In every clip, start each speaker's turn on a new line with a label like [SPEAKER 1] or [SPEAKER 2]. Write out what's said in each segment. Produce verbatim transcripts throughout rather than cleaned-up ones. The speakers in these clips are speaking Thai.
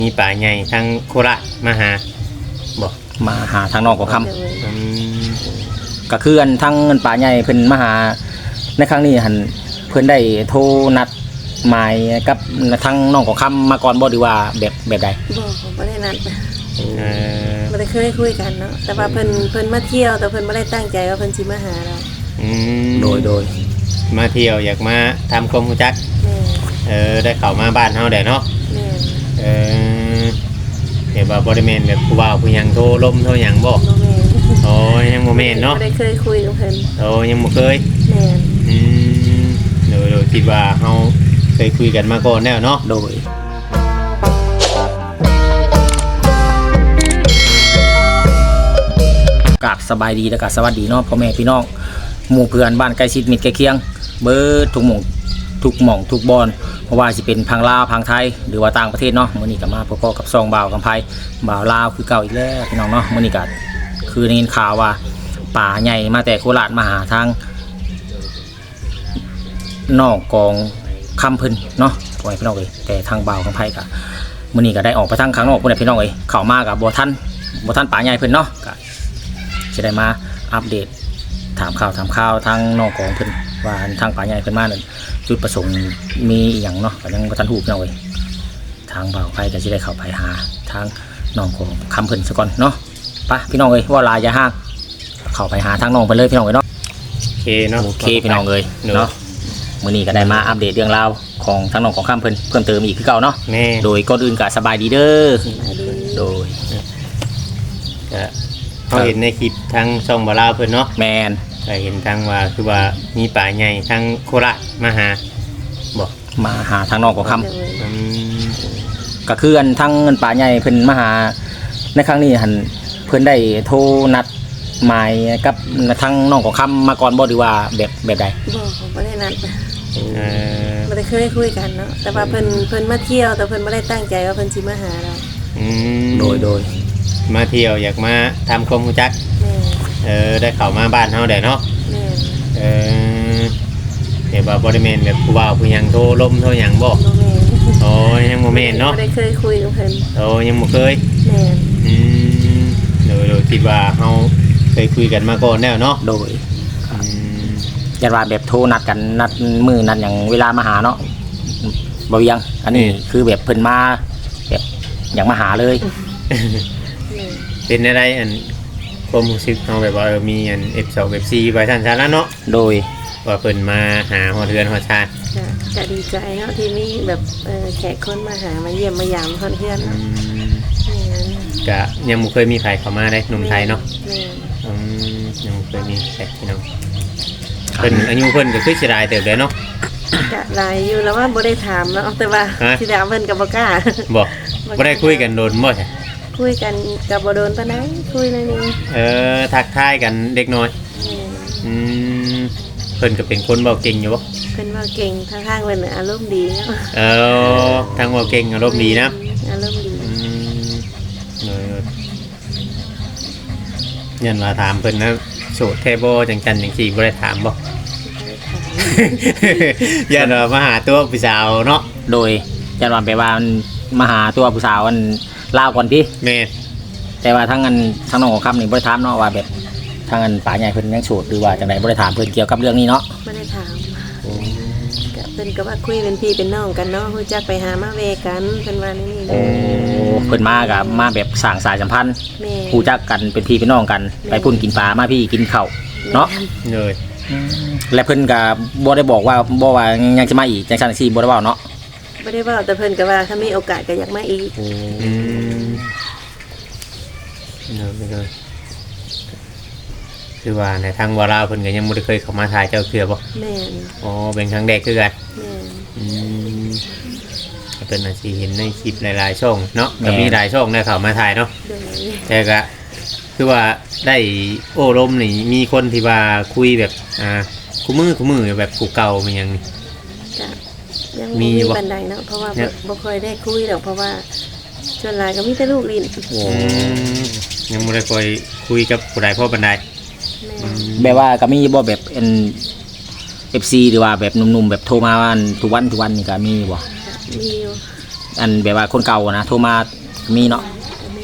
[SPEAKER 1] มีป่าใหญ่ทั้งโคราชมาหาบอก
[SPEAKER 2] มาหาทางนอกของค
[SPEAKER 1] อืม
[SPEAKER 2] ำก็คืออันทั้งเงินป่าใหญ่เพิ่นมาหาในครั้งนี้หันเพิ่นได้โทรนัดหมายกับทั้งน้องของคำมาก่อนบ่ดีว่าแบบแบบใด
[SPEAKER 3] บอกผมไม่ได้นัด
[SPEAKER 1] เออ
[SPEAKER 3] ไม่ได้เคยคุยกันเนาะแต่ว่าเพิ่นเพิ่นมาเที่ยวแต่เพิ่นไม่ได้ตั้งใจว่าเพิ่นสิมาหาเรา
[SPEAKER 1] อืม
[SPEAKER 2] โดยโดย
[SPEAKER 1] มาเที่ยวอยากมาทำความรู้จัก
[SPEAKER 3] แม่
[SPEAKER 1] เออได้เข้ามาบ้านเฮาได้เนาะ
[SPEAKER 3] แม่
[SPEAKER 1] เออเดี๋ยวว่าบริเวณแบบผู้บ่าวผู้หยังโทรลมโทรหยังบ่
[SPEAKER 3] บ่แม่
[SPEAKER 1] โอ้ยังบ่แม่นเนาะ
[SPEAKER 3] ไม่ได้เคยคุยกับเพิ่น
[SPEAKER 1] โอ้ยังบ่เคย
[SPEAKER 3] แม่
[SPEAKER 1] อืมเดี๋ยวเดี๋ยวคิดว่าเฮาเคยคุยกันมาก่อนแล้วเนาะ
[SPEAKER 2] โดยกราบสบายดีและก็สวัสดีเนาะพ่อแม่พี่น้องหมู่เพื่อนบ้านใกล้ชิดมิตรใกล้เคียงเบิดทุกหม่องทุกหม่องทุกบอนเพราะว่าสิเป็นพังลาวพังไทยหรือว่าต่างประเทศเนาะมื้อนี้ก็มาพบกับซองบ่าวกำไพบ่าวลาวคือเก่าอีกแล้วพี่น้องเนาะมื้อนี้ก็คือได้ยินข่าวว่าป่าใหญ่มาแต่โคราชมาหาทางนอกกองคำเพิ่นเนาะพ่อแม่พี่น้องเอ้ยแต่ทางบ่าวกำไพก็มื้อนี้ก็ได้ออกไปทางข้างนอกพุ่นน่ะพี่น้องเอ้ยเข้ามาก็บ่ทันบ่ทันป่าใหญ่เพิ่นเนาะก็จะได้มาอัปเดตถามข่าวถามข่าวทางนอกกองเพิ่นว่าทางป่าใหญ่เพิ่นมานั่นจุดประสงค์มีอหย่างเนาะก็ยังบ่ทันฮู้พี่น้องเอ้ยทางบ่าวไผก็สิได้เข้าไปหาทางน้องของคำเพิ่นซะก่อนเนาะไปพี่น้องเอ้ยว่าลายอย่าห่างเข้าไปหาทางน้องเพิ่นเลยพี่น้องเอ้ยเนาะ
[SPEAKER 1] โอเคเนาะ
[SPEAKER 2] โอเคพี่น้องเอ้ยเนาะมื้อนี้ก็ได้มาอัปเดตเรื่องราวของทางน้องของคำเพิ่นเพิ่มเติมอีกคือเก่าเนาะ
[SPEAKER 1] แม่
[SPEAKER 2] โดยก่อนอื่นก็สบายดีเด้อ
[SPEAKER 3] มาดี
[SPEAKER 2] โดย
[SPEAKER 1] ก็เขาเห็นในคลิปทางช่องบ่าวลาวเพิ่นเนาะ
[SPEAKER 2] แมน
[SPEAKER 1] ก็เห็นทางว่าคือว่ามีป่าใหญ่ทั้งโคราชมาหาบอก
[SPEAKER 2] มาหาทางน้องของคำ
[SPEAKER 3] เดี๋ยวเลย
[SPEAKER 1] อืม
[SPEAKER 2] ก็คืออันทั้งเงินป่าใหญ่เพิ่นมาหาในครั้งนี้หันเพิ่นได้โทรนัดหมายกับทั้งน้องของคำมาก่อนบ่ดีว่าแบบแบบใด
[SPEAKER 3] บอกผมไม่ได้นัด
[SPEAKER 1] เออ
[SPEAKER 3] ไม่ได้เคยคุยกันเนาะแต่ว่าเพิ่นเพิ่นมาเที่ยวแต่เพิ่นไม่ได้ตั้งใจว่าเพิ่นสิมาหาเรา
[SPEAKER 1] อืม
[SPEAKER 2] โดยโดย
[SPEAKER 1] มาเที่ยวอยากมาทำความรู้จัก
[SPEAKER 3] แม่
[SPEAKER 1] เออได้เข้ามาบ้านเฮาได้เนาะ
[SPEAKER 3] แม่
[SPEAKER 1] เออเดี๋ยวว่าบริเวณแบบผู้บ่าวผู้หยังโทรลมโทรหยังบ่
[SPEAKER 3] บ่แม่
[SPEAKER 1] โอ้ยังบ่แม่นเนาะ
[SPEAKER 3] ไม่ได้เคยคุยกับเพิ่น
[SPEAKER 1] โอ้ยังบ่เคย
[SPEAKER 3] แม่
[SPEAKER 1] อืมเดี๋ยวเดี๋ยวคิดว่าเฮาเคยคุยกันมาก่อนแล้วเนาะ
[SPEAKER 2] โดย
[SPEAKER 1] อืม
[SPEAKER 2] ยันว่าแบบโทรนัดกันนัดมือนัดอย่างเวลามาหาเนาะบ่เวียงอันนี้คือแบบเพิ่นมาแบบอย่างมาหาเลย
[SPEAKER 3] แม่
[SPEAKER 1] เป็นอะไรอันความรู้สึกเฮาแบบว่าเออมีอัน เอฟ สอง เอฟ สี่ ไว้ซั่นซะแล้วเนาะ
[SPEAKER 2] โดย
[SPEAKER 1] ว่าเพิ่นมาหาฮอดเรือนฮอดชาติ
[SPEAKER 3] ก็ก็ดีใจเนาะที่มีแบบเอ่อแขกคนมาหามาเยี่ยมมายามเพื่อนๆ
[SPEAKER 1] อื
[SPEAKER 3] เนาะ
[SPEAKER 1] ม
[SPEAKER 3] อย่างนั้น
[SPEAKER 1] ก็ยังบ่เคยมีใครเข้ามาได้หนุ่มไทยเนาะ
[SPEAKER 3] แม่
[SPEAKER 1] อืมยังบ่เคยมีแขกพี่น้องเพิ่นอายุเพิ่นก็คือสิหลายเติบแล้วเนาะ
[SPEAKER 3] ก็หลายอยู่แล้วว่าบ่ได้ถามเนาะแต่ว่า
[SPEAKER 1] ฮะ
[SPEAKER 3] ที่ถามเพิ่นก็บ่กล้า
[SPEAKER 1] บ่บ่ได้คุยกันโดนบ่ใช่
[SPEAKER 3] คุยกันก็บ่โดนปานใดคุยหน่อยนึง
[SPEAKER 1] เออทักทายกันเด็กน้อย
[SPEAKER 3] แม่
[SPEAKER 1] อืมเพิ่นก็เป็นคนเว้าเก่งอยู่บ่
[SPEAKER 3] เพิ่นว่าเก่งทางข้างเพิ่นน่ะอารมณ์ดีเนาะ
[SPEAKER 1] เออทางเว้าเก่งอารมณ์ดีนะ
[SPEAKER 3] อารมณ์ดี
[SPEAKER 1] อืมเออยันว่าถามเพิ่นนะโสดแท้บ่จังจันจังซี่บ่ได้ถามบ่
[SPEAKER 3] บ่ได้ถาม
[SPEAKER 1] ยันว่ามาหาตัวผู้สาวเนาะ
[SPEAKER 2] โดยยันว่าไปว่ามันมาหาตัวผู้สาวอันลาวก่อนพี่
[SPEAKER 1] แม่
[SPEAKER 2] แต่ว่าทั้งอันทั้งน้องของคำนี่บ่ได้ถามเนาะว่าแบบทั้งอันป่าใหญ่เพิ่นยังโสดหรือว่าจังไดบ่ได้ถามเพิ่นเกี่ยวกับเรื่องนี้เนาะ
[SPEAKER 3] บ่ได้ถามก็เพิ่นก็ว่าคุยเป็นพี่เป็นน้องกันเนาะรู้จักไปหามาเวกันเพิ่นว่านี่นี่
[SPEAKER 2] โอ้เพิ่นมากับมาแบบสร้างสายสัมพันธ์
[SPEAKER 3] แม่
[SPEAKER 2] รู้จักกันเป็นพี่เป็นน้องกันไปพุ่นกินปลามาพี่กินข้าวเนาะ
[SPEAKER 1] เลย
[SPEAKER 2] และเพิ่นก็บ่ได้บอกว่าบ่ว่ายังจะมาอีกจังซั่นจังซี่บ่ได้เว้าเนาะ
[SPEAKER 3] บ่ได้เว้าแต่เพิ่นก็ว่าถ้ามีโอกาสก็อยากมาอีก
[SPEAKER 1] อืมเนอะไปเลยคือว่าในทางวาราเพิ่นก็ยังบ่ได้เคยเข้ามาถ่ายเจ้าเทื่อบ่
[SPEAKER 3] แม่น
[SPEAKER 1] อ๋อเป็นครั้งแรกคือกัน
[SPEAKER 3] แม่น
[SPEAKER 1] อืมก็เป็นอาชีพเห็นในคลิปหลายๆช่องเนาะก็มีหลายช่องได้เข้ามาถ่ายเนาะ
[SPEAKER 3] โดย
[SPEAKER 1] แต่ก็คือว่าได้โอ้ลมนี่มีคนที่ว่าคุยแบบอ่าคู่มือคู่มือแบบกูเก่ามันยังนี่
[SPEAKER 3] ก็ยัง
[SPEAKER 1] มี
[SPEAKER 3] มี
[SPEAKER 1] บ่
[SPEAKER 3] บันไดเนาะเพราะว่า
[SPEAKER 1] เนี่
[SPEAKER 3] บ่
[SPEAKER 1] ย
[SPEAKER 3] บ่ค่อยได้คุยดอกเพราะว่าส่วนหลายก็มีแต่ลูกลิ้น
[SPEAKER 1] อืมยังไม่ได้คอยคุยกับผู้ใดพ่อบันได
[SPEAKER 3] แม่
[SPEAKER 2] แบบว่าก็มีบ่แบบเป็น เอฟ ซี หรือว่าแบบหนุ่มๆแบบโทรมาวันทุกวันทุกวันนี่ก็มีบ่
[SPEAKER 3] มีอยู่
[SPEAKER 2] อันแบบว่าคนเก่านะโทรมามีเนาะ
[SPEAKER 3] ก็มี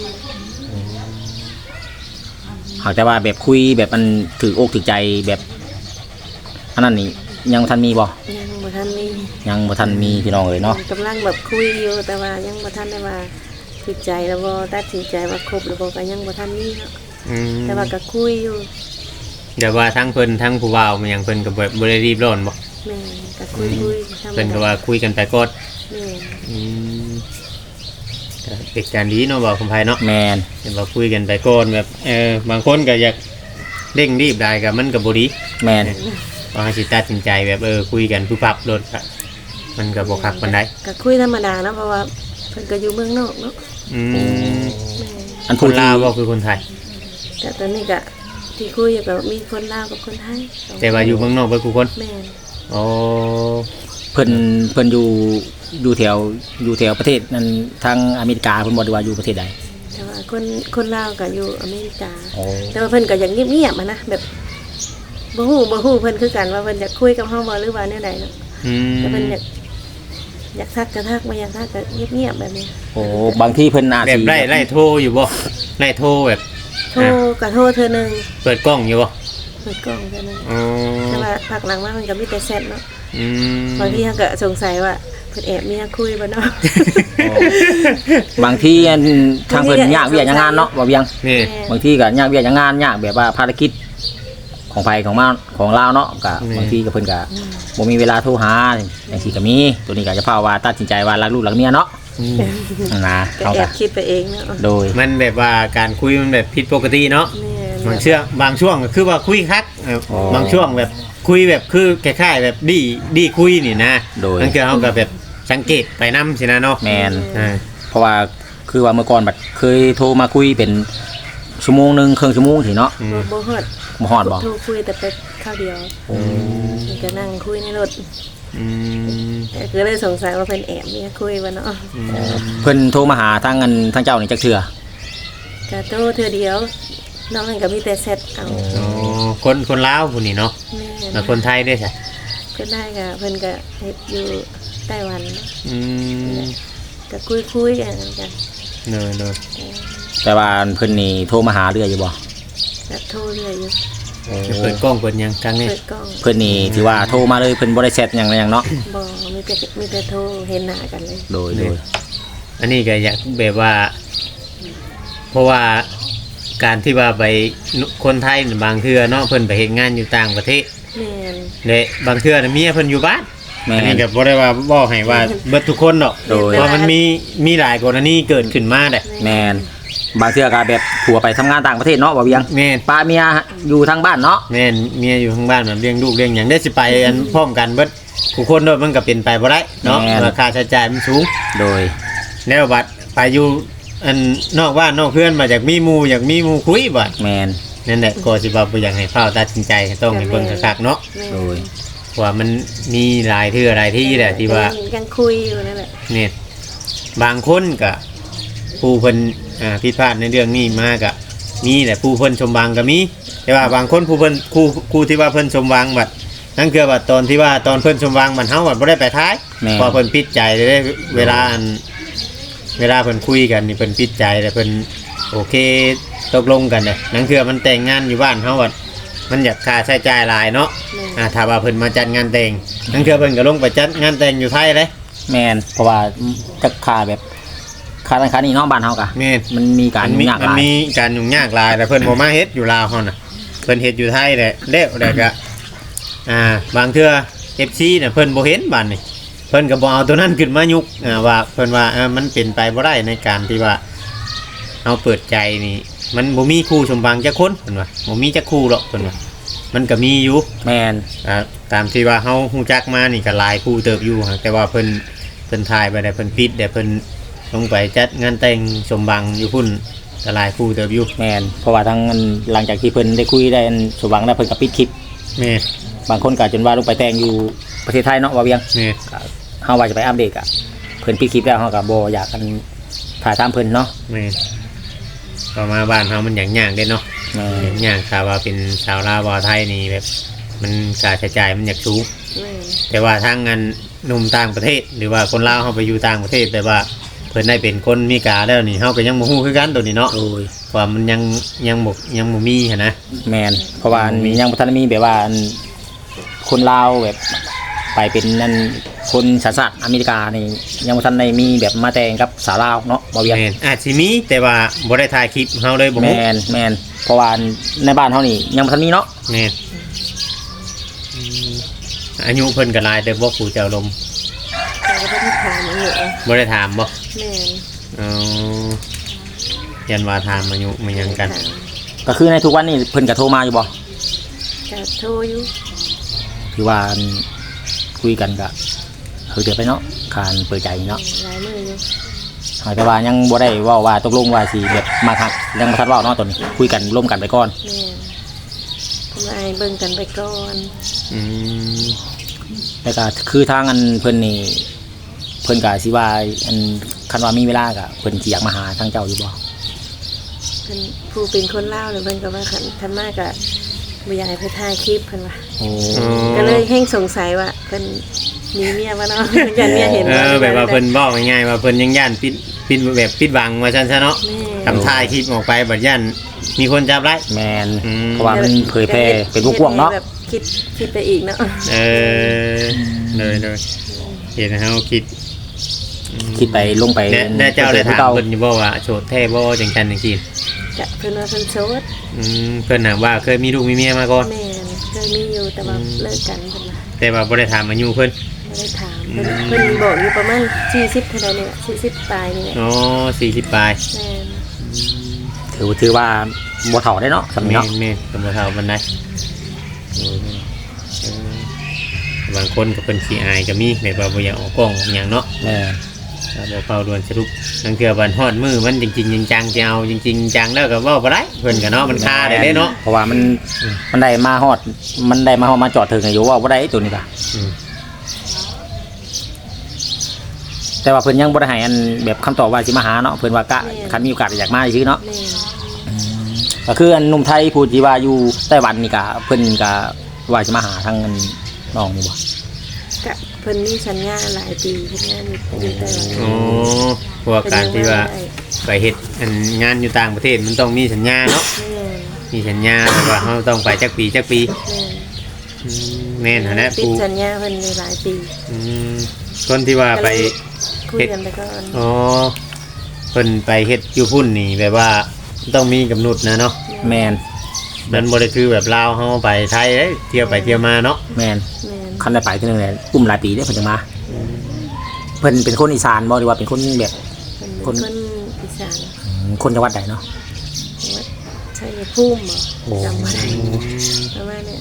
[SPEAKER 2] หากแต่ว่าแบบคุยแบบมันถืออกถือใจแบบอันนั้นนี่ยังบ่ทันมีบ่
[SPEAKER 3] ยังบ่ทันมี
[SPEAKER 2] ยังบ่ทันมีพี่น้องเลยเนาะ
[SPEAKER 3] กำลังแบบคุยอยู่แต่ว่ายังบ่ทันได้ว่าติดใจแล้วบ่ตัดสินใจว่าครบหรือบ่ก็ยังบ่ทันมีเนาะ
[SPEAKER 1] อืม
[SPEAKER 3] แต่ว่าก็คุยอยู่
[SPEAKER 1] เดี๋ยวว่าทั้งเพิ่นทั้งผู้บ่าวมันหยังเพิ่นก็บ่บ่ได้รีบร้อนบ่
[SPEAKER 3] แม่ก็คุยคุยธรรม
[SPEAKER 1] เพิ่นก็
[SPEAKER 3] ดา
[SPEAKER 1] ว่าคุยกันไปก่อน
[SPEAKER 3] แม่
[SPEAKER 1] อืมก็เป็นการดีเนาะบ่คุณไผเนาะ
[SPEAKER 2] แมน
[SPEAKER 1] เห็นว่าคุยกันไปก่อนแบบเออบางคนก็อยากเร่งรีบได้ก็มันก็บ่ดี
[SPEAKER 2] แมน
[SPEAKER 1] พอให้สิตัดสินใจแบบเออคุยกันผู้ปรับรถก็มันก็บ่คักปานใด
[SPEAKER 3] ก็คุยธรรมดาเนาะเพราะว่าเพิ่นก็อยู่เมืองนอกเนาะ
[SPEAKER 1] อืม
[SPEAKER 3] แม่
[SPEAKER 2] อัน
[SPEAKER 1] ค
[SPEAKER 2] ผู้
[SPEAKER 1] น
[SPEAKER 2] ที่
[SPEAKER 1] ลาวบ่คือคนไทย
[SPEAKER 3] แต่ตอนนี้ก็ที่คุยอยู่ก็มีคนลาวกับคนไทยสง
[SPEAKER 1] แต่ว่าอยู่เมืองนอกเบิดทุกคน
[SPEAKER 3] แม่น
[SPEAKER 1] อ๋อ
[SPEAKER 2] เพิ่นเพิ่นอยู่อยู่แถวอยู่แถวประเทศนั้นทางอเมริกาเพิ่นบ่ได้ว่าอยู่ประเทศใด
[SPEAKER 3] แต่ว่าคนคนลาวก็อยู่อเมริกา
[SPEAKER 2] อ๋อ
[SPEAKER 3] แต่ว่าเพิ่นก็อย่างเงียบๆอะนะแบบบ่ฮู้บ่ฮู้เพิ่นคือกันว่าเพิ่นอยากคุยกับเฮาบ่หรือว่าแนวใดเนาะ
[SPEAKER 1] อืม
[SPEAKER 3] แต่เพิ่นอยากอยากทักก็ทักบ่อยากทักก็เงียบๆแบบนี้
[SPEAKER 2] โอ้บางที่เพิ่นอาจ
[SPEAKER 1] แบบ
[SPEAKER 2] สิ
[SPEAKER 1] ไล่ไล่โทรอยู่บ่ไล่โทรแบบ
[SPEAKER 3] โทรก็โทรเทื่อนึง
[SPEAKER 1] เปิดกล้องอยู่บ่
[SPEAKER 3] เปิดกล้องเทื่อนึง
[SPEAKER 1] อ๋อ
[SPEAKER 3] แต่ว่าพักหลังมามันก็มีแต่แชทเนาะ
[SPEAKER 1] อืม
[SPEAKER 3] บางทีเฮาก็สงสัยว่าเพิ่นแอบเมียคุยบ่เนาะ
[SPEAKER 2] บางที่อันทางเพิ่นยากเวียกยากงานเนาะบ่เวียง
[SPEAKER 1] นี่
[SPEAKER 2] บางที่ก็ยากเวียกยากงานยากแบบว่าภารกิจของไผของมาของลาวเนาะก็บางทีก็เพิ่นก็บ่มีเวลาโทรหาจังซี่ก็มีตัวนี้ก็จะพาว่าตัดสินใจว่ารักลูกรักเมียเนาะ
[SPEAKER 1] อืม
[SPEAKER 2] นั่นนะ
[SPEAKER 3] ก็
[SPEAKER 2] เขา
[SPEAKER 3] แอ
[SPEAKER 2] ก็
[SPEAKER 3] บคิดไปเองเนาะ
[SPEAKER 2] โดย
[SPEAKER 1] มันแบบว่าการคุยมันแบบผิดปกติเนาะ
[SPEAKER 3] แม่น
[SPEAKER 1] บางเชื่อบางช่วงก็คือว่าคุยคักเออ
[SPEAKER 2] อ๋อ
[SPEAKER 1] บางช่วงแบบคุยแบบคือคล้ายๆแบบดีดีคุยนี่นะ
[SPEAKER 2] โดย
[SPEAKER 1] นั่นคือเขาก็แบบสังเกตไปนำสินะเนาะ
[SPEAKER 2] แมน
[SPEAKER 1] อ่า
[SPEAKER 2] เพราะว่าคือว่าเมื่อก่อนบัดเคยโทรมาคุยเป็นชั่วโมงหนึงครึ่งชั่วโมงสิเนาะ
[SPEAKER 1] อื
[SPEAKER 3] บ่
[SPEAKER 1] ม
[SPEAKER 3] บ่ฮอด
[SPEAKER 2] บ่ฮอดบ่
[SPEAKER 3] โทรคุยแต่ไปข้าวเดียวมันก็นั่งคุยในรถ
[SPEAKER 1] อืม
[SPEAKER 3] แต่ก็เลยสงสัยว่าเพิ่นแอบเมียคุยบ่เนาะ
[SPEAKER 1] อืม
[SPEAKER 2] เพิ่นโทรมาหาทางอันทางเจ้านี่จักเทื่อ
[SPEAKER 3] ก็โทรเทื่อเดียวน้องนั่นก็มีแต่แชทเอา
[SPEAKER 1] อ๋อคนคนลาวผู้นี่เนาะ
[SPEAKER 3] แม่
[SPEAKER 1] แล้วคนไทยด้วยใช่
[SPEAKER 3] ก็ได้ก็เพิ่นก็เฮ็ดอยู่ไต้หวันเนาะ
[SPEAKER 1] อืม
[SPEAKER 3] ก็คุยๆกันกัน
[SPEAKER 1] เนอะเนอะ
[SPEAKER 2] แต่ว่าเพิ่นนี่โทรมาหาเรื่อยอยู่บ่
[SPEAKER 3] ก็โทรเรื่อยอยู่
[SPEAKER 1] จะเปิดกล้องเปิดหยังครั้งนี้
[SPEAKER 3] เปิดกล้อง
[SPEAKER 2] เพิ่นนี่ถือว่าโทรมาเลยเพิ่นบ่ได้แชทหยังเลยหยังเนาะ
[SPEAKER 3] บ่มีแต่มีแต่โทรเห็นหน้ากันเลย
[SPEAKER 2] โดยโดย
[SPEAKER 1] อันนี้ก็อยากแบบว่า เพราะว่าการที่ว่าไปคนไทยบางเทื่อเนาะเพิ่นไปเฮ็ดงานอยู่ต่างประเทศ
[SPEAKER 3] แม่น
[SPEAKER 1] เด้บางเทื่อน่ะเมียเพิ่นอยู่บ้าน
[SPEAKER 2] แม่
[SPEAKER 1] อันนี้
[SPEAKER 2] น
[SPEAKER 1] ก็บ่ได้ว่าบอกให้ว่าเบิดทุกคนดอก
[SPEAKER 2] โดย
[SPEAKER 1] เพราะมันมีมีหลายกรณีเกิดขึ้นมาได้
[SPEAKER 2] แม่นบางเทื่อก็แบบผัวไปทำงานต่างประเทศเนาะบ่เวียง
[SPEAKER 1] แม่น
[SPEAKER 2] ป้าเมียอยู่ทางบ้านเนาะ
[SPEAKER 1] แม่นเมียอยู่ข้างบ้านแบบเลี้ยงลูกเลี้ยงหยังได้สิไปอันพร้อมกันเบิดทุกคนโดยมันก็เป็นไปบ่ได้เนาะราคาใช้จ่ายมันสูง
[SPEAKER 2] โดย
[SPEAKER 1] แล้วบัดไปอยู่อันนอกบ้านนอกเพื่อนมาจากมีหมู่อยากมีหมู่คุยบัด
[SPEAKER 2] แม่น
[SPEAKER 1] นั่นแหละก็สิว่าบ่อยากให้ฟ้าวตัดสินใจต้องให้เบิ่งคักๆเนาะ
[SPEAKER 3] แม่น
[SPEAKER 2] โดย
[SPEAKER 1] ว่ามันมีหลายเทื่อหลายที่แหละที่ว่า
[SPEAKER 3] ยังคุยอยู่นั่นแหละ
[SPEAKER 1] เนี่ยบางคนก็ผู้เพิ่นอ่าผิดพลาดในเรื่องนี้มาก็มีแหละผู้เพิ่นชมวางก็มี แต่ว่าบางคนผู้เพิ่นครูครูที่ว่าเพิ่นชมวางบัดนั่นคือว่าตอนที่ว่าตอนเพิ่นชมวางมันเฮาบัดบ่ได้ไปท้าย
[SPEAKER 2] แม่น
[SPEAKER 1] เพอเพิ่นปิดใจได้เวลาอันเวลาเพิ่นคุยกันนี่เพิ่นปิดใจแล้วเพิ่นโอเคตกลงกันเลยนั่นคือมันแต่งงานอยู่บ้านเฮาบัดมันอยากค่าใช้จ่ายหลายเนาะ
[SPEAKER 3] แม่น
[SPEAKER 1] อ่าถ้าว่าเพิ่นมาจัดงานแต่งนั่นคือเพิ่นก็ลงไปจัดงานแต่งอยู่ไทยเลย
[SPEAKER 2] แม่นเพราะว่าจักค่าแบบค่านั้นค่านี้เนาะบ้านเฮากะ
[SPEAKER 1] แม่น
[SPEAKER 2] มันมีการ
[SPEAKER 1] มัน
[SPEAKER 2] ยุ่
[SPEAKER 1] มี
[SPEAKER 2] งยากห
[SPEAKER 1] มัน
[SPEAKER 2] ลาย
[SPEAKER 1] มีการยุ่งยากหลายแต่เพิ่นบ่มาเฮ็ดอยู่ลาวเฮาน่ะเพิ่นเฮ็ดอยู่ไทยแหละแล้วแล้วก็อ่าบางเทื่อ เอฟ ซี น่ะเพิ่นบ่เห็นบัดนี่เพิ่นก็บ่เอาตัวนั้นขึ้นมายุกอ่าว่าเพิ่นว่าเออมันเป็นไปบ่ได้ในการที่ว่าเอาเปิดใจนี่มันบ่มีคู่สมบังจักคนเพิ่นว่าบ่มีจักคู่หรอกเพิ่นว่ามันก็มีอยู่
[SPEAKER 2] แม่น
[SPEAKER 1] อ่าตามที่ว่าเฮาฮู้จักมานี่ก็หลายคู่เติบอยู่ฮะแต่ว่าเพิ่นเพิ่นถ่ายไปได้เพิ่นปิดได้เพิ่นลงไปจัดงานแต่งสมบังอยู่พุ่นก็หลายคู่เติบอยู่
[SPEAKER 2] แม่นเพราะว่าทั้งอันหลังจากที่เพิ่นได้คุยได้อันสมหวังแล้วเพิ่นก็ปิดคลิป
[SPEAKER 1] แม่
[SPEAKER 2] บางคนก็จนว่าลงไปแต่งอยู่ประเทศไทยเนาะว่าเวียง
[SPEAKER 1] แม่
[SPEAKER 2] ก็เฮาว่าจะไปอัปเดตอ่ะเพิ่นปิดคลิปแล้วเฮาก็บ่อยากกันถ่ายตามเพิ่นเนาะ
[SPEAKER 1] แม่ก็มาบ้านเฮามันอย่างยากเด้เนาะ
[SPEAKER 2] แม่
[SPEAKER 1] อย่างยากถ้าว่าเป็นชาวลาวบ่าวไทยนี่แบบมันค่าใช้จ่ายมันอยากสูง
[SPEAKER 3] แม่น
[SPEAKER 1] แต่ว่าทางงานหนุ่มต่างประเทศ หรือว่าคนลาวเฮาไปอยู่ต่างประเทศแต่ว่าพิ่นได้เป็นคนมีกาแล้วนี่เฮาก็ยังบ่ฮู้คือกันตัวนี้เนาะ
[SPEAKER 2] โอ้ย
[SPEAKER 1] ว่ามันยังยังบ่ยังบ่มีหั่นนะ
[SPEAKER 2] แมนเพราะว่ามียังบ่ทันมีแบบว่าอันคนลาวแบบไปเป็นนั่นคนสัญชาติอเมริกานี่ยังบ่ทันได้มีแบบมาแต่งกับสาวลาวเนาะบ่เวียง
[SPEAKER 1] แม่นอาจสิมีแต่ว่าบ่ได้ถ่ายคลิปเฮาเลยบ่
[SPEAKER 2] แม
[SPEAKER 1] ฮู้
[SPEAKER 2] นแมนเพราะว่าในบ้านเฮานี่ยังบ่ทันมีเนาะ
[SPEAKER 1] แม่นอืมอายุเพิ่นก็หลายแต่บ่ผู้เจ้าลม
[SPEAKER 3] แต่ก็บ่ได้ถามอันนี้เอง
[SPEAKER 1] บ่ได้ถามบ่
[SPEAKER 3] แม่น
[SPEAKER 1] อ๋อยันว่าถามอายุมันหยังกัน
[SPEAKER 3] ถาม
[SPEAKER 2] ก็คือในทุกวันนี้เพิ่นก็โทรมาอยู่บ่
[SPEAKER 3] ก็โทรอยู่
[SPEAKER 2] คือว่าอันคุยกันก็คือเดี๋ยวไปเนาะการเปิดใจเนาะ
[SPEAKER 3] หลายมื้ออยู่
[SPEAKER 2] แต่ว่ายังบ่ได้เว้าว่าตกลงว่าสิแบบมาทักยังบ่ทันเว้าเนาะตอนนี้คุยกันร่วมกันไปก่อน
[SPEAKER 3] แม่นเพิ่นว่าให้เบิ่งกันไปก่อน
[SPEAKER 1] อืม
[SPEAKER 2] แล้วก็คือทางอันเพิ่นนี่เพิ่นก็สิว่าอันคันว่ามีเวลาก็เพิ่นสิอยากมาหาทางเจ้าอยู่บ่
[SPEAKER 3] เพิ่นผู้เป็นคนลาวเนี่ยเพิ่นก็ว่าคันคันมากก็บ่อยากให้เพิ่นถ่ายคลิปเพิ่นว่า
[SPEAKER 2] โอ้
[SPEAKER 3] ก็เลยแห้งสงสัยว่าเพิ่นมีเมียบ่เนาะ ยันเมียเห็น
[SPEAKER 1] เออแบบว่าเพิ่นบอกง่ายๆว่าเพิ่นยังย่านปิดปิดแบบปิดบังว่าซั่นซะเนาะ
[SPEAKER 3] แม่
[SPEAKER 1] ทำท่ายคลิปออกไปบัดย่านมีคนจับไล่
[SPEAKER 2] แมน
[SPEAKER 1] อืม
[SPEAKER 2] เพราะว่ามันเผยแพร่เป็นวงกว้างเนาะ
[SPEAKER 3] แบบคิดคิดไปอีกเนาะ
[SPEAKER 1] เออเลยเลยเห็นเฮาคิดอืม
[SPEAKER 2] คิดไปลงไป
[SPEAKER 1] และและเจ้าได้ถาม
[SPEAKER 2] เก่า
[SPEAKER 1] เพิ่นอยู่บ่ว่าโสดแท้บ่จังซั่นจังซี่
[SPEAKER 3] กะเพิ่นว่าเพิ่นโสด
[SPEAKER 1] อืมเพิ่นน่ะว่าเคยมีลูกมีเมียมาก่อน
[SPEAKER 3] แม่นเคยมีอยู่แต่ว่าเลิกกันเพิ่นว่า
[SPEAKER 1] แต่ว่าบ่ได้ถามอายุเพิ่น
[SPEAKER 3] ไม่ได้ถามเพิ่นเพิ่นบอกอยู่ประมาณสี่สิบเท่าใดนี่แหละสี่สิบปลายนี่แหละ
[SPEAKER 1] อ๋อสี่สิบปลาย
[SPEAKER 3] แม่น
[SPEAKER 2] ถือถือว่าบ่เฒ่าได้เนาะสำนี้
[SPEAKER 1] แม่
[SPEAKER 2] เนาะ
[SPEAKER 1] นแม่นก็บ่เท่าปานใดเออเออบางคนก็เพิ่นขี้อายก็มีแบบว่าบ่อยากออกกล้องออกหยังเนาะ
[SPEAKER 2] แม่
[SPEAKER 1] ถ้าบ่เฝ้าด่วนสรุปนั่นคือวันฮอดมือมันจริงๆจังๆจะเอาจริงๆจังแล้วก็เว้าบ่ได้เพิ่นก็เนาะมันคาได้เด้เนาะ
[SPEAKER 2] เพราะว่ามันมันได้มาฮอดมันได้มาฮอดมาจอดถึงอายุว่าบ่ได้ตัวนี้ก็
[SPEAKER 1] อืม
[SPEAKER 2] แต่ว่าเพิ่นยังบ่ได้ให้อันแบบคำตอบว่าสิมาหาเนาะเพิ่นว่ากะคันมีโอกาสอยากมาซื่อเนาะ
[SPEAKER 3] แม่น
[SPEAKER 2] ก็คืออันหนุ่มไทยผู้ที่ว่าอยู่ไต้หวันนี่ก็เพิ่นก็ว่าสิมาหาทางอันน้องนี่บ่
[SPEAKER 3] กะเพิ่นมีสัญญาหลายปีเฮ็ดงานอยู่อยู่ไต้หวัน
[SPEAKER 1] อ๋อเพราะว่าการที่ว่าไปเฮ็ดอันงานอยู่ต่างประเทศมันต้องมีสัญญาเนาะ
[SPEAKER 3] แม่น
[SPEAKER 1] มีสัญญาแบบว่าเราต้องไปจักปีจักปี
[SPEAKER 3] แม่น
[SPEAKER 1] อืมแม่นหั่นแหละ
[SPEAKER 3] ติด
[SPEAKER 1] ผู้
[SPEAKER 3] สัญญาเพิ่นอยู่หลายปี
[SPEAKER 1] อืมคนที่ว่าไป
[SPEAKER 3] คุยกันไปก่อน
[SPEAKER 1] อ๋อเพิ่นไปเฮ็ดอยู่พุ่นนี่แบบว่าต้องมีกำหนดนะเนาะ
[SPEAKER 2] แม่น
[SPEAKER 1] มันบ่ได้คือแบบลาวเฮาไปไทยเด้เที่ยวไปเที่ยวมาเนาะ
[SPEAKER 2] แม่น
[SPEAKER 3] แม่น
[SPEAKER 2] คันได้ไปเทื่อนึงแหละอุ้มหลายปีเด้เพิ่นจังมาเพิ่นเป็นคนอีสานบ่หรือว่าเป็นคนแบบ
[SPEAKER 3] เพิ่น
[SPEAKER 2] ค
[SPEAKER 3] เป็น นคนอีสาน
[SPEAKER 2] อืมคนจังหวัดใดเนาะ
[SPEAKER 3] วัดชัยภูมิบ่
[SPEAKER 2] โอ้
[SPEAKER 3] จำบ่ได้ประมาณเนี้ย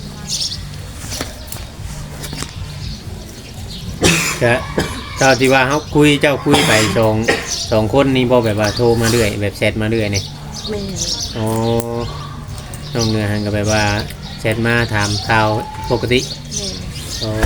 [SPEAKER 1] ก็เจ้าที่ว่าเฮาคุยเจ้าคุยไปสองสองคนนี่บ่แบบว่าโทรมาเรื่อยแบบแชทมาเรื่อยนี่
[SPEAKER 3] แม่น
[SPEAKER 1] อ๋อน้องเนื้อหันก็แบบว่าแชทมาถามข่าวปกติ
[SPEAKER 3] แม่น
[SPEAKER 1] โอ้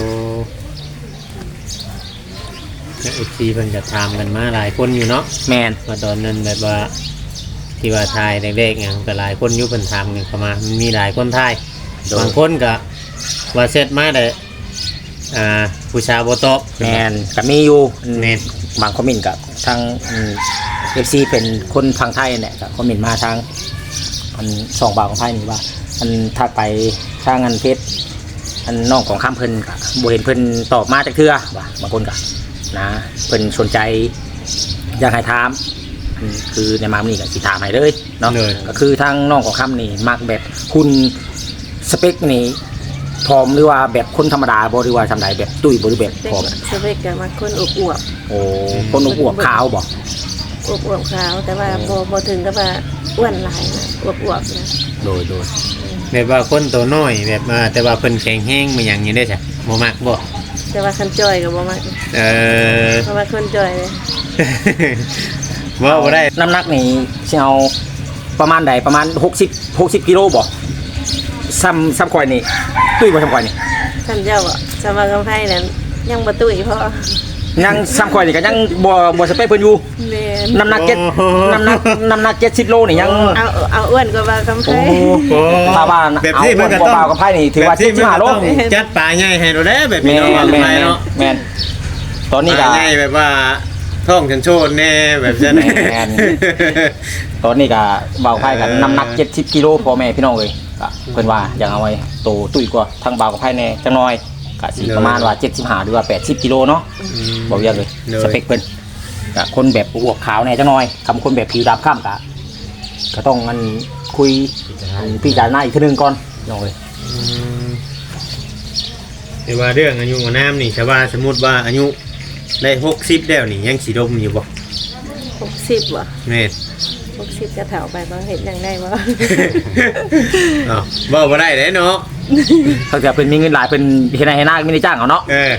[SPEAKER 1] แล้ว เอฟ ซี เพิ่นก็ถามกันมาหลายคนอยู่เนาะ
[SPEAKER 2] แม่น
[SPEAKER 1] ว่าตอนนั้นแบบว่าที่ว่าทายเด็กๆเนี่ยก็หลายคนอยู่เพิ่นถามกันเข้ามามันมีหลายคนทายบางคนก็ว่าเสร็จมาได้อ่าผู้ชายบ่ตอบ
[SPEAKER 2] แม่นก็มีอยู่
[SPEAKER 1] แม่น
[SPEAKER 2] บางคอมเมนต์กับทางเอฟซีเป็นคนฟังไทยนั่นแหละก็คอมเมนต์มาทางอันสองบาทของไทยนี่ว่าอันถ้าไปทางอันเพชรอันน้องของข้ามเพิ่นก็บ่เห็นเพิ่นตอบมาจากเทื่อว่าบางคนก็นะเพิ่นสนใจอยากให้ถามอันคือในมามื้อนี้ก็สิถามให้เลยเนาะ
[SPEAKER 1] เลย
[SPEAKER 2] ก็คือทางน้องของข้ามนี่มักแบบคุณสเปคนี่ผอมหรือว่าแบบคนธรรมดาบ่หรือว่าทำไดแบบตุ้ยบ่หรือแบบ
[SPEAKER 3] เด็
[SPEAKER 2] ผอม
[SPEAKER 3] กสเปกก็มาคนอวบ
[SPEAKER 2] โอ้คนอวบๆขาวบ่
[SPEAKER 3] ๆอวบๆขาวแต่ว่าบ่บ่ถึงกับว่าอ้วนหลายนะอวบๆนะ
[SPEAKER 2] โดยโดย
[SPEAKER 1] แบบว่าคนตัวน้อยแบบว่าแต่ว่าเพิ่นแข็งแรงมาหยังอยู่ได้จ้ะบ่มักบ่
[SPEAKER 3] แต่ว่าคันจอยก็บ่มัก
[SPEAKER 1] เออ
[SPEAKER 3] เพราะว่าคนจอยเลย
[SPEAKER 1] ว่าบ่ได้
[SPEAKER 2] น้ำหนักนี่สิเอาประมาณใดประมาณหกสิบ หกสิบกิโลบ่ซ้ำซ้ำข่อยนี่ตุ้ยบ่ซ้ำข่อยนี่
[SPEAKER 3] ท่านเจ้าอ่ะสมากำไพ่นั้นยังบ่ตุ้ยเพราะ
[SPEAKER 2] ยังซ้ำข่อยนี่ก็ยังบ่บ่สเปคเพิ่นอยู่
[SPEAKER 3] แม่น
[SPEAKER 2] น้ำหนักเจ็ดน้ำหนักน้ำหนักเจ็ดสิบโลนี่ยัง
[SPEAKER 3] เอาเอาอ้วนกว่าบากำไพ่
[SPEAKER 2] โอ้โห ถ้าว่า
[SPEAKER 1] แบบที่มันก็ต้อง
[SPEAKER 2] เอาคนเบาๆกับไพ่นี่ถือว่า
[SPEAKER 1] แบบที่มันก็
[SPEAKER 2] เจ็ดสิบห้าโล
[SPEAKER 1] ต้องจัดปลาใหญ่ให้เราได้แบบ
[SPEAKER 2] แม่
[SPEAKER 1] นี้เนาะ
[SPEAKER 2] น
[SPEAKER 1] ว่า
[SPEAKER 2] แม่น
[SPEAKER 1] ไป
[SPEAKER 2] แม่น
[SPEAKER 1] เนาะ
[SPEAKER 2] แม่นตอนนี้
[SPEAKER 1] ป
[SPEAKER 2] ก็
[SPEAKER 1] ลาใหญ่แบบว่าท้องฉันโชดแน่แบบนั้น
[SPEAKER 2] แม่น ตอนนี้ก็เบาไพ่กันน้ำหนักเจ็ดสิบกิโลพ่อแม่พี่น้องเลยก็เพิ่นว่าอยากเอาไว้โตตุ้ยกว่าทางเบากับไพ่แน่จังน้อยก็สิประมาณว่าเจ็ดสิบห้าหรือว่าแปดสิบกิโลเนาะบ่เยอะเลยสเปคเพิ่นก็คนแบบอวบขาวแน่จังน้อยคำคนแบบผิวดำข้ามก็ก็ต้องมันคุยพี่จารณาอีกทีนึงก่อนน้องเลย
[SPEAKER 1] แต่ว่าเรื่องอายุของน้ำนี่ชาวบ้านสมมุติว่าอายุได้หกสิบแล้วนี่ยังสิดมอยู่บ่
[SPEAKER 3] หกสิบบ่
[SPEAKER 1] แม่น
[SPEAKER 3] หกสิบจะเฒ่าไปบ่เห็นยังได้บ่
[SPEAKER 1] อ้าวบ่บ่ได้เด้เนาะ
[SPEAKER 2] ถ้าเกิดเป็นมีเงินหลายเป็นเฮ็ดให้ให้หน้าไม่ได้จ้างเอาเนาะ
[SPEAKER 1] เออ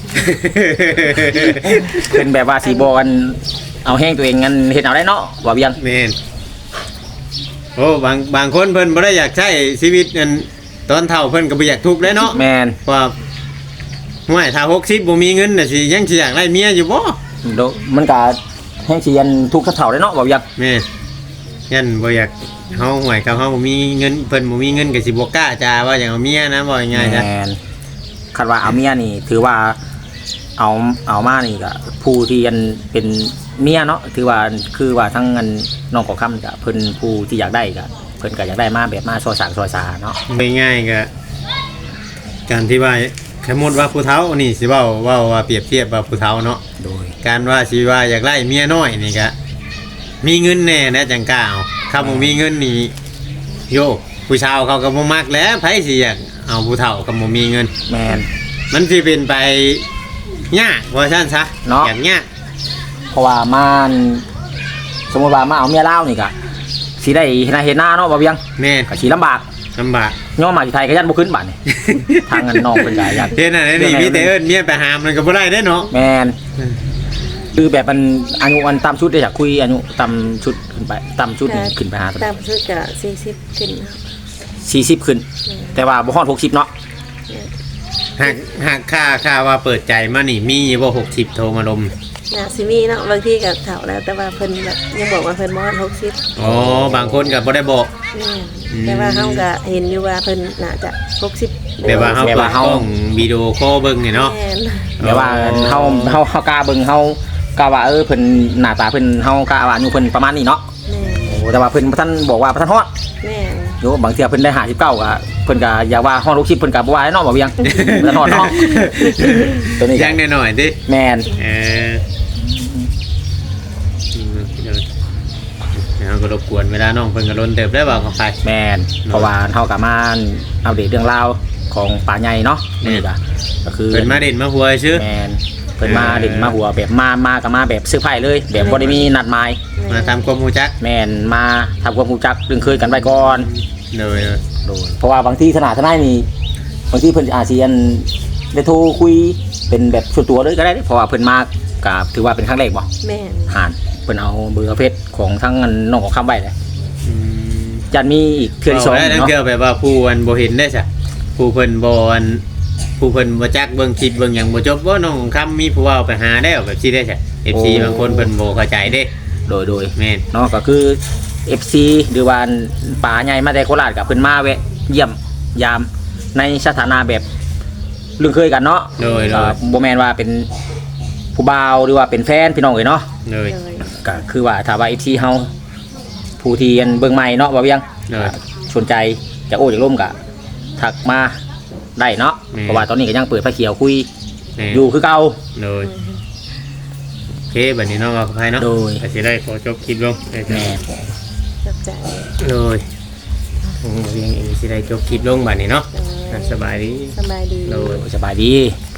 [SPEAKER 2] เป็นแบบว่าสีบอกันเอาแห้งตัวเองงั้นเฮ็ดเอาได้เนาะว่าเบียง
[SPEAKER 1] แม่นโอ้บางบางคนเพิ่นบ่ได้อยากใช้ชีวิตอันตอนเฒ่าเพิ่นก็บ่อยากทุกข์เด้เนาะ
[SPEAKER 2] แมน
[SPEAKER 1] ว่าห่วยถ้าหกสิบบ่มีเงินน่ะสิยังสิอยากได้เมียอยู่บ่
[SPEAKER 2] โดมันก็แห้งสิยันทุกข์กระเฒ่าได้เนาะว่าเบียง
[SPEAKER 1] แม่นยันบ่อยากเฮาห่วยกับเฮาบ่มีเงินเพิ่นบ่มีเงินก็สิบ่กล้าจ้าว่าอยากเอาเมียนะบ่ง่ายๆจ้ะ
[SPEAKER 2] แมนคาดว่าเอาเมียนี่ถือว่าเอาเอามานี่ก็ผู้ที่ยันเป็นเมียเนาะถือว่าคือว่าทั้งเงินน้องขอคำกับเพิ่นผู้ที่อยากได้ก็เพิ่นก็อยากได้มาแบบมาซอยสากซอยสาเนาะ
[SPEAKER 1] ง่ายๆก็การที่ว่าสมมุติว่าผู้เฒ่านี่สิเว้าเว้าว่าเปรียบเทียบว่าผู้เฒ่าเนาะ
[SPEAKER 2] โดย
[SPEAKER 1] การว่าสิว่าอยากไล่เมียน้อยนี่ก็มีเงินแน่นะจังกล้าเอาถ้าบ่มีเงินนี่โยผู้ชาวเขาก็บ่มักแหล้วไผสิอยากเอาผู้เฒ่าก็บ่มีเงิน
[SPEAKER 2] แมน
[SPEAKER 1] มันสิเป็นไปยากว่าซั่นซะ
[SPEAKER 2] เนาะ
[SPEAKER 1] อย่างยาก
[SPEAKER 2] เพราะว่ามันสมมติว่ามาเอาเมียเล่าวนี่ก็สิได้เห็นหน้าเห็นหน้าเนาะว่าเบียง
[SPEAKER 1] แม่น
[SPEAKER 2] ก็สิลำบาก
[SPEAKER 1] ลำบาก
[SPEAKER 2] ย่อมาที่ไทยก็ยันบ่ขึ้นบัดนี่ ทางเงินน้องเพิ่นก็อยาก
[SPEAKER 1] เฮ็ดอันนั้นนี่มีแต่เอิ้นเมียไปหามมันก็บ่ได้เด้เนาะ
[SPEAKER 2] แมนคือแบบมันอายุอันตามชุดได้อยากคุยอายุตามชุดขึ้นไปตามชุดขึ้นไปหา
[SPEAKER 3] ตามสุดก็สี่สิบขึ้นครับ
[SPEAKER 2] สี่สิบขึ้น แต่ว่าบ่ฮอดหกสิบเนาะ
[SPEAKER 1] หากหากค่าค่าว่าเปิดใจมานี่มีบ่หกสิบโทรมาลม
[SPEAKER 3] น่าสิมีเนาะบางทีก็เฒ่าแล้วแต่ว่าเพิ่นแบบยังบอกว่าเพิ่นบ่ฮอดหกสิบ
[SPEAKER 1] อ๋อบางคนก็บ่ได้บอก
[SPEAKER 3] แม่นแต่ว่าเฮาก็เห็นอยู่ว่าเพิ่นน่าจะหกสิบ
[SPEAKER 1] แต่ว่าเฮาเปิดกล้องวิดีโอคอลเบิ่งนี่เนาะ
[SPEAKER 3] แม่น
[SPEAKER 2] แต่ว่าเฮาเฮาเฮากล้าเบิ่งเฮากล้าว่าเออเพิ่นหน้าตาเพิ่นเฮากล้าว่าอายุเพิ่นประมาณนี้เนาะ
[SPEAKER 3] แม่น
[SPEAKER 2] โอ้แต่ว่าเพิ่นบ่ทันบอกว่าบ่ทันฮอด
[SPEAKER 3] แม่น
[SPEAKER 2] โยบางเทื่อเพิ่นได้ห้าสิบเก้าก็เพิ่นก็อยากว่าฮอดหกสิบเพิ่นก็บ่ว่าเนาะบ่เวียงบ่ทันฮอดเนาะตัวนี้
[SPEAKER 1] ยังหน่อยๆดิ
[SPEAKER 2] แม่น
[SPEAKER 1] เออเดี๋ยวก็รบกวนเวลาน้องเพิ่นก็ล้นเติบได้บ่เข้าไป
[SPEAKER 2] แม่นเพราะว่าเฮาก็มาอัปเดตเรื่องราวของป่าใหญ่เนาะนี่ก็ก็คือ
[SPEAKER 1] เพิ่นมาเด่นมาหัวชื่อ
[SPEAKER 2] แม่นเพิ่นมาเด่นมาหัวแบบมามาก็มาแบบซื้อไผ่เลย แบบบ่ได้มีนัดหมาย
[SPEAKER 1] มาทำความรู้จัก
[SPEAKER 2] แม่นมาทำความรู้จักเรื่องเคยกันไว้ก่อน
[SPEAKER 1] เลย
[SPEAKER 2] โดยเพราะว่าบางทีขนาดทนายนี่บางทีเพิ่นอาจสิอันได้โทรคุยเป็นแบบส่วนตัวเลยก็ได้เด้เพราะว่าเพิ่นมาก็ถือว่าเป็นครั้งแรกบ่
[SPEAKER 3] แม่น
[SPEAKER 2] หานเพิ่นเอาเบอร์เพชรของทั้งอันน้องของคำไว้เลย
[SPEAKER 1] อืม
[SPEAKER 2] จันมีอีกเทื่อที่สอง
[SPEAKER 1] ได้ทั้ง
[SPEAKER 2] เนาะ
[SPEAKER 1] เกี่ยวแบบว่าผู้อันบ่เห็นได้ซะผู้เพิ่นบ่อันผู้เพิ่นบ่จักเบิ่งคลิปเบิ่งหยังบ่จบว่าน้องคำมีผู้เว้าไปหาแล้วแบบสิได้ซะ เอฟ ซี บางคนเพิ่นบ่เข้าใจเด้
[SPEAKER 2] โดยโดย
[SPEAKER 1] แม่น
[SPEAKER 2] เนาะก็คือ เอฟ ซี หรือว่าป่าใหญ่มาแต่โคราชกับเพิ่นมาแวะเยี่ยมยามในสถานะแบบเรื่องเคยกันเนาะ
[SPEAKER 1] โดยโด
[SPEAKER 2] ก็
[SPEAKER 1] ย
[SPEAKER 2] บ่แม่นว่าเป็นผู้บ่าวหรือว่าเป็นแฟนพี่น้องเอ้ยเนาะ
[SPEAKER 1] โดย
[SPEAKER 3] เลย
[SPEAKER 2] ก็คือว่าถ้าว่า เอฟ ซี เฮาผู้ที่อันเบิ่งใหม่เนาะว่าเวียง
[SPEAKER 1] โดย
[SPEAKER 2] สนใจจะโอ้จะร่วมก็ทักมาได้เนาะ
[SPEAKER 1] แม่
[SPEAKER 2] เพราะว่าตอนนี้ก็ยังเปิดไฟเขียวคุย
[SPEAKER 1] แม่น
[SPEAKER 2] อยู่คือเก่า
[SPEAKER 1] โดยโอเคบัดนี้น้องเอาเข้าไปเนาะ
[SPEAKER 2] โดย
[SPEAKER 1] ก็สิได้ขอจบคลิปลงได้จ้ะ
[SPEAKER 2] แม่
[SPEAKER 3] จับใจ
[SPEAKER 1] โดยผมเองเองสิได้จบคลิปลงบัดนี้เนาะ
[SPEAKER 3] เออ
[SPEAKER 1] สบายดี
[SPEAKER 3] สบายดี
[SPEAKER 1] โดย
[SPEAKER 2] สบายดี